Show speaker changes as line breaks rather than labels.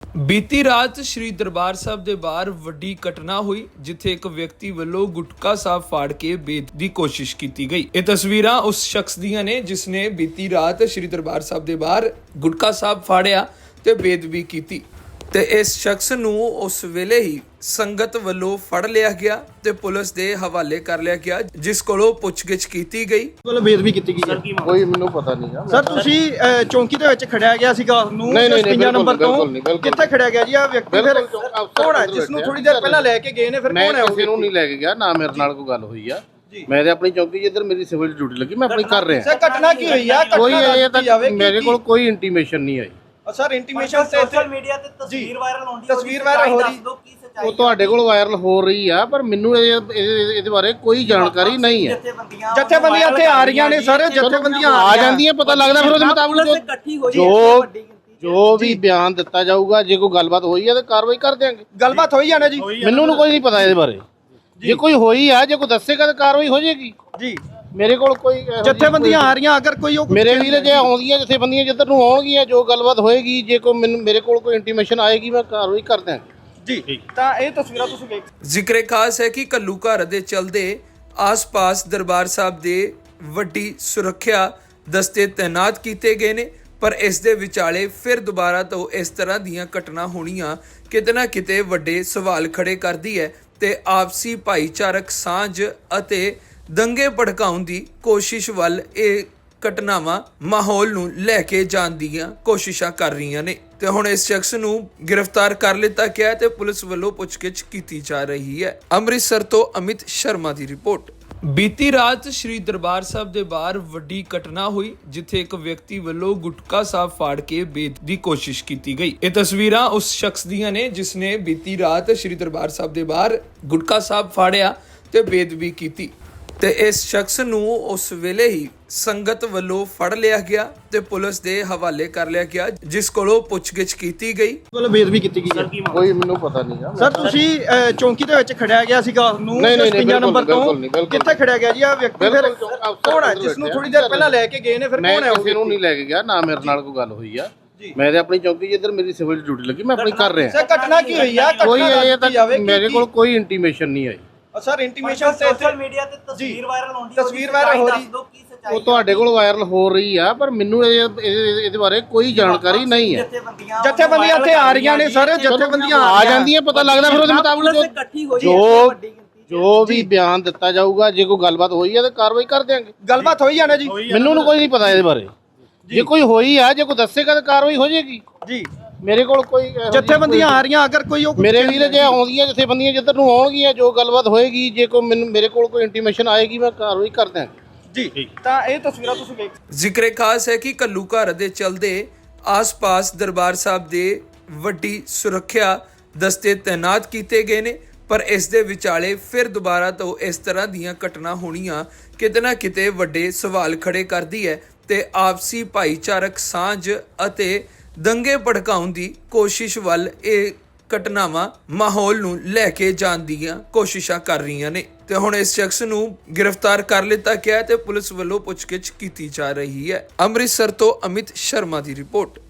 ਬੀਤੀ ਰਾਤ ਸ਼੍ਰੀ ਦਰਬਾਰ ਸਾਹਿਬ ਦੇ ਬਾਹਰ ਵੱਡੀ ਘਟਨਾ ਹੋਈ ਜਿੱਥੇ ਇੱਕ ਵਿਅਕਤੀ ਵੱਲੋਂ ਗੁਟਕਾ ਸਾਹਿਬ ਫਾੜ ਕੇ ਬੇਦ ਦੀ ਕੋਸ਼ਿਸ਼ ਕੀਤੀ ਗਈ। ਇਹ ਤਸਵੀਰਾਂ ਉਸ ਸ਼ਖਸ ਦੀਆਂ ਨੇ ਜਿਸ ਨੇ ਬੀਤੀ ਰਾਤ ਸ਼੍ਰੀ ਦਰਬਾਰ ਸਾਹਿਬ ਦੇ ਬਾਹਰ ਗੁਟਕਾ ਸਾਹਿਬ ਫਾੜਿਆ ਤੇ ਬੇਦਬੀ ਕੀਤੀ ਤੇ ਇਸ ਸ਼ਖਸ ਨੂੰ ਉਸ ਵੇਲੇ ਹੀ ਸੰਗਤ ਵੱਲੋਂ ਫੜ ਲਿਆ ਗਿਆ ਤੇ ਪੁਲਿਸ ਦੇ ਹਵਾਲੇ ਕਰ ਲਿਆ ਗਿਆ, ਜਿਸ ਕੋਲੋਂ ਪੁੱਛਗਿੱਛ ਕੀਤੀ ਗਈ।
ਕੋਲ ਬੇਦਬੀ ਕੀਤੀ ਗਈ ਹੈ।
ਕੋਈ ਮੈਨੂੰ ਪਤਾ ਨਹੀਂ ਆ
ਸਰ ਤੁਸੀਂ ਚੌਂਕੀ ਦੇ ਵਿੱਚ ਖੜਿਆ ਗਿਆ ਸੀਗਾ ਨੂੰ 55 ਨੰਬਰ ਤੋਂ ਕਿੱਥੇ ਖੜਿਆ ਗਿਆ ਜੀ? ਆ ਵਿਅਕਤੀ ਫਿਰ ਕੌਣ ਹੈ ਜਿਸ ਨੂੰ ਥੋੜੀ ਦੇਰ ਪਹਿਲਾਂ ਲੈ ਕੇ ਗਏ ਨੇ? ਫਿਰ ਕੌਣ ਹੈ?
ਕਿਸੇ ਨੂੰ ਨਹੀਂ ਲੈ ਕੇ ਗਿਆ, ਨਾ ਮੇਰੇ ਨਾਲ ਕੋਈ ਗੱਲ ਹੋਈ ਆ। ਮੈਂ ਤੇ ਆਪਣੀ ਚੌਕੀ ਜਿੱਧਰ ਮੇਰੀ ਸਿਵਲ ਡਿਊਟੀ ਲੱਗੀ ਮੈਂ ਆਪਣੀ ਕਰ ਰਿਹਾ।
ਸਰ ਘਟਨਾ ਕੀ ਹੋਈ ਆ?
ਕੋਈ ਇਹ ਤੱਕ ਮੇਰੇ ਕੋਲ ਕੋਈ ਇੰਟੀਮੇਸ਼ਨ ਨਹੀਂ ਆਈ।
ਸਰ ਇੰਟੀਮੇਸ਼ਨ ਤੇ
ਸੋਸ਼ਲ ਮੀਡੀਆ ਤੇ ਤਸਵੀਰ ਵਾਇਰਲ ਹੁੰਦੀ ਹੈ,
ਤਸਵੀਰ ਵਾਇਰਲ ਹੋ ਰਹੀ
ਉਹ ਤੁਹਾਡੇ ਕੋਲ ਵਾਇਰਲ ਹੋ ਰਹੀ ਆ, ਪਰ ਮੈਨੂੰ ਇਹਦੇ ਬਾਰੇ ਕੋਈ ਜਾਣਕਾਰੀ ਨਹੀਂ ਹੈ।
ਜਥੇਬੰਦੀਆਂ ਇੱਥੇ ਆ ਰਹੀਆਂ ਨੇ ਸਰ, ਜਥੇਬੰਦੀਆਂ
ਆ ਜਾਂਦੀਆਂ, ਪਤਾ ਲੱਗਦਾ ਫਿਰ ਉਹਦੇ ਮੁਤਾਬਕ ਜੋ ਵੀ ਬਿਆਨ ਦਿੱਤਾ ਜਾਊਗਾ। ਜੇ ਕੋਈ ਗੱਲਬਾਤ ਹੋਈ ਹੈ ਤਾਂ ਕਾਰਵਾਈ ਕਰ ਦਿਆਂਗੇ।
ਗੱਲਬਾਤ ਹੋਈ ਜਾਣਾ ਜੀ?
ਮੈਨੂੰ ਕੋਈ ਨਹੀਂ ਪਤਾ ਇਹਦੇ ਬਾਰੇ। ਜੇ ਕੋਈ ਹੋਈ ਆ, ਜੇ ਕੋਈ ਦੱਸੇਗਾ ਤਾਂ ਕਾਰਵਾਈ ਹੋ ਜਾਏਗੀ
ਜੀ।
ਮੇਰੇ ਕੋਲ ਕੋਈ
ਜਥੇਬੰਦੀਆਂ ਆ ਰਹੀਆਂ, ਅਗਰ ਕੋਈ
ਮੇਰੇ ਵੀਰ ਜੇ ਆਉਂਦੀਆਂ ਜਥੇਬੰਦੀਆਂ ਜਿੱਧਰ ਨੂੰ ਆਉਣਗੀਆਂ, ਜੋ ਗੱਲਬਾਤ ਹੋਏਗੀ, ਜੇ ਕੋਈ ਮੇਰੇ ਕੋਲ ਕੋਈ ਇੰਟੀਮੇਸ਼ਨ ਆਏਗੀ ਮੈਂ ਕਾਰਵਾਈ ਕਰ ਦਿਆਂਗਾ
ਜੀ। ਤਾਂ ਇਹ ਤਸਵੀਰਾਂ ਤੁਸੀਂ ਵੇਖ
ਜ਼ਿਕਰੇ ਖਾਸ ਹੈ ਕਿ ਕੱਲੂ ਘਰ ਦੇ ਚਲਦੇ ਆਸ-ਪਾਸ ਦਰਬਾਰ ਸਾਹਿਬ ਦੇ ਵੱਡੀ ਸੁਰੱਖਿਆ ਦਸਤੇ ਤੈਨਾਤ ਕੀਤੇ ਗਏ ਨੇ, ਪਰ ਇਸ ਦੇ ਵਿਚਾਲੇ ਫਿਰ ਦੁਬਾਰਾ ਤੋਂ ਇਸ ਤਰ੍ਹਾਂ ਦੀਆਂ ਘਟਨਾ ਹੋਣੀਆਂ ਕਿਤੇ ਨਾ ਕਿਤੇ ਵੱਡੇ ਸਵਾਲ ਖੜੇ ਕਰਦੀ ਹੈ ਤੇ ਆਪਸੀ ਭਾਈਚਾਰਕ ਸਾਂਝ ਅਤੇ ਦੰਗੇ ਭੜਕਾਉਣ ਦੀ ਕੋਸ਼ਿਸ਼ ਵੱਲ ਇਹ ਘਟਨਾਵਾਂ ਮਾਹੌਲ ਨੂੰ ਲੈ ਕੇ ਜਾਣ ਦੀਆਂ ਕੋਸ਼ਿਸ਼ਾਂ ਕਰ ਰਹੀਆਂ ਨੇ ਤੇ ਹੁਣ ਇਸ ਸ਼ਖਸ ਨੂੰ ਗ੍ਰਿਫਤਾਰ ਕਰ ਲਿੱਤਾ ਗਿਆ ਤੇ ਪੁਲਿਸ ਵੱਲੋਂ ਪੁੱਛਗਿੱਛ ਕੀਤੀ ਜਾ ਰਹੀ ਹੈ। ਅੰਮ੍ਰਿਤਸਰ ਤੋਂ ਅਮਿਤ ਸ਼ਰਮਾ ਦੀ ਰਿਪੋਰਟ। ਬੀਤੀ ਰਾਤ ਸ਼੍ਰੀ ਦਰਬਾਰ ਸਾਹਿਬ ਦੇ ਬਾਹਰ ਵੱਡੀ ਘਟਨਾ ਹੋਈ ਜਿੱਥੇ ਇੱਕ ਵਿਅਕਤੀ ਵੱਲੋਂ ਗੁਟਕਾ ਸਾਹਿਬ ਫਾੜ ਕੇ ਬੇਦ ਦੀ ਕੋਸ਼ਿਸ਼ ਕੀਤੀ ਗਈ। ਇਹ ਤਸਵੀਰਾਂ ਉਸ ਸ਼ਖਸ ਦੀਆਂ ਨੇ ਜਿਸ ਨੇ ਬੀਤੀ ਰਾਤ ਸ਼੍ਰੀ ਦਰਬਾਰ ਸਾਹਿਬ ਦੇ ਬਾਹਰ ਗੁਟਕਾ ਸਾਹਿਬ ਫਾੜਿਆ ਤੇ ਬੇਦਬੀ ਕੀਤੀ ਤੇ ਇਸ ਸ਼ਖਸ ਨੂੰ ਉਸ ਵੇਲੇ ਹੀ ਸੰਗਤ ਵੱਲੋਂ ਫੜ ਲਿਆ ਗਿਆ ਤੇ ਪੁਲਿਸ ਦੇ ਹਵਾਲੇ ਕਰ ਲਿਆ ਗਿਆ, ਜਿਸ ਕੋਲੋਂ ਪੁੱਛਗਿੱਛ ਕੀਤੀ ਗਈ।
ਕੋਲ ਬੇਦਬੀ ਕੀਤੀ ਗਈ ਹੈ।
ਕੋਈ ਮੈਨੂੰ ਪਤਾ ਨਹੀਂ ਆ।
ਸਰ ਤੁਸੀਂ ਚੌਂਕੀ ਦੇ ਵਿੱਚ ਖੜਿਆ ਗਿਆ ਸੀਗਾ ਨੂੰ 55 ਨੰਬਰ ਤੋਂ ਕਿੱਥੇ ਖੜਿਆ ਗਿਆ ਜੀ? ਆ ਵਿਅਕਤੀ ਫਿਰ ਕੌਣ ਹੈ ਜਿਸ ਨੂੰ ਥੋੜੀ ਦੇਰ ਪਹਿਲਾਂ ਲੈ ਕੇ ਗਏ ਨੇ? ਫਿਰ ਕੌਣ ਹੈ?
ਕਿਸੇ ਨੂੰ ਨਹੀਂ ਲੈ ਕੇ ਗਿਆ, ਨਾ ਮੇਰੇ ਨਾਲ ਕੋਈ ਗੱਲ ਹੋਈ ਆ। ਮੈਂ ਤੇ ਆਪਣੀ ਚੌਕੀ ਜਿੱਧਰ ਮੇਰੀ ਸਿਵਲ ਡਿਊਟੀ ਲੱਗੀ ਮੈਂ ਆਪਣੀ ਕਰ ਰਿਹਾ।
ਸਰ ਘਟਨਾ ਕੀ ਹੋਈ ਆ?
ਕੋਈ ਇਹ ਤੱਕ ਮੇਰੇ ਕੋਲ ਕੋਈ ਇੰਟੀਮੇਸ਼ਨ ਨਹੀਂ ਆਈ।
ਸਰ ਇੰਟੀਮੇਸ਼ਨ ਤੇ
ਸੋਸ਼ਲ ਮੀਡੀਆ ਤੇ ਤਸਵੀਰ ਵਾਇਰਲ ਹੁੰਦੀ ਹੈ,
ਤਸਵੀਰ ਵਾਇਰਲ ਹੋ ਰਹੀ
ਉਹ ਤੁਹਾਡੇ ਕੋਲ ਵਾਇਰਲ ਹੋ ਰਹੀ ਆ, ਪਰ ਮੈਨੂੰ ਇਹਦੇ ਬਾਰੇ ਕੋਈ ਜਾਣਕਾਰੀ ਨਹੀਂ ਹੈ।
ਜਥੇਬੰਦੀਆਂ ਇੱਥੇ ਆ ਰਹੀਆਂ ਨੇ ਸਰ, ਜਥੇਬੰਦੀਆਂ
ਆ ਜਾਂਦੀਆਂ, ਪਤਾ ਲੱਗਦਾ ਫਿਰ ਉਹਦੇ ਮੁਤਾਬਕ ਜੋ ਵੀ ਬਿਆਨ ਦਿੱਤਾ ਜਾਊਗਾ। ਜੇ ਕੋਈ ਗੱਲਬਾਤ ਹੋਈ ਹੈ ਤਾਂ ਕਾਰਵਾਈ ਕਰ ਦਿਆਂਗੇ।
ਗੱਲਬਾਤ ਹੋਈ ਜਾਣਾ ਜੀ?
ਮੈਨੂੰ ਕੋਈ ਨਹੀਂ ਪਤਾ ਇਹਦੇ ਬਾਰੇ। ਜੇ ਕੋਈ ਹੋਈ ਆ, ਜੇ ਕੋਈ ਦੱਸੇਗਾ ਤਾਂ ਕਾਰਵਾਈ ਹੋ ਜਾਏਗੀ
ਜੀ।
ਮੇਰੇ ਕੋਲ ਕੋਈ
ਜਥੇਬੰਦੀਆਂ ਆ ਰਹੀਆਂ, ਅਗਰ ਕੋਈ
ਮੇਰੇ ਵੀਰ ਜੇ ਆਉਂਦੀਆਂ ਜਥੇਬੰਦੀਆਂ ਜਿੱਧਰ ਨੂੰ ਆਉਣਗੀਆਂ, ਜੋ ਗੱਲਬਾਤ ਹੋਏਗੀ, ਜੇ ਕੋਈ ਮੇਰੇ ਕੋਲ ਕੋਈ ਇੰਟੀਮੇਸ਼ਨ ਆਏਗੀ ਮੈਂ ਕਾਰਵਾਈ ਕਰ ਦਿਆਂਗਾ
ਜੀ। ਤਾਂ ਇਹ ਤਸਵੀਰਾਂ ਤੁਸੀਂ ਵੇਖ
ਜ਼ਿਕਰੇ ਖਾਸ ਹੈ ਕਿ ਕੱਲੂ ਘਰ ਦੇ ਚਲਦੇ ਆਸ-ਪਾਸ ਦਰਬਾਰ ਸਾਹਿਬ ਦੇ ਵੱਡੀ ਸੁਰੱਖਿਆ ਦਸਤੇ ਤੈਨਾਤ ਕੀਤੇ ਗਏ ਨੇ, ਪਰ ਇਸ ਦੇ ਵਿਚਾਲੇ ਫਿਰ ਦੁਬਾਰਾ ਤੋਂ ਇਸ ਤਰ੍ਹਾਂ ਦੀਆਂ ਘਟਨਾ ਹੋਣੀਆਂ ਕਿਤੇ ਨਾ ਕਿਤੇ ਵੱਡੇ ਸਵਾਲ ਖੜੇ ਕਰਦੀ ਹੈ ਤੇ ਆਪਸੀ ਭਾਈਚਾਰਕ ਸਾਂਝ ਅਤੇ ਦੰਗੇ ਭੜਕਾਉਣ ਦੀ ਕੋਸ਼ਿਸ਼ ਵੱਲ ਇਹ ਘਟਨਾਵਾਂ ਮਾਹੌਲ ਨੂੰ ਲੈ ਕੇ ਜਾਣ ਦੀਆਂ ਕੋਸ਼ਿਸ਼ਾਂ ਕਰ ਰਹੀਆਂ ਨੇ ਤੇ ਹੁਣ ਇਸ ਸ਼ਖਸ ਨੂੰ ਗ੍ਰਿਫਤਾਰ ਕਰ ਲਿੱਤਾ ਗਿਆ ਤੇ ਪੁਲਿਸ ਵੱਲੋਂ ਪੁੱਛਗਿੱਛ ਕੀਤੀ ਜਾ ਰਹੀ ਹੈ। ਅੰਮ੍ਰਿਤਸਰ ਤੋਂ ਅਮਿਤ ਸ਼ਰਮਾ ਦੀ ਰਿਪੋਰਟ।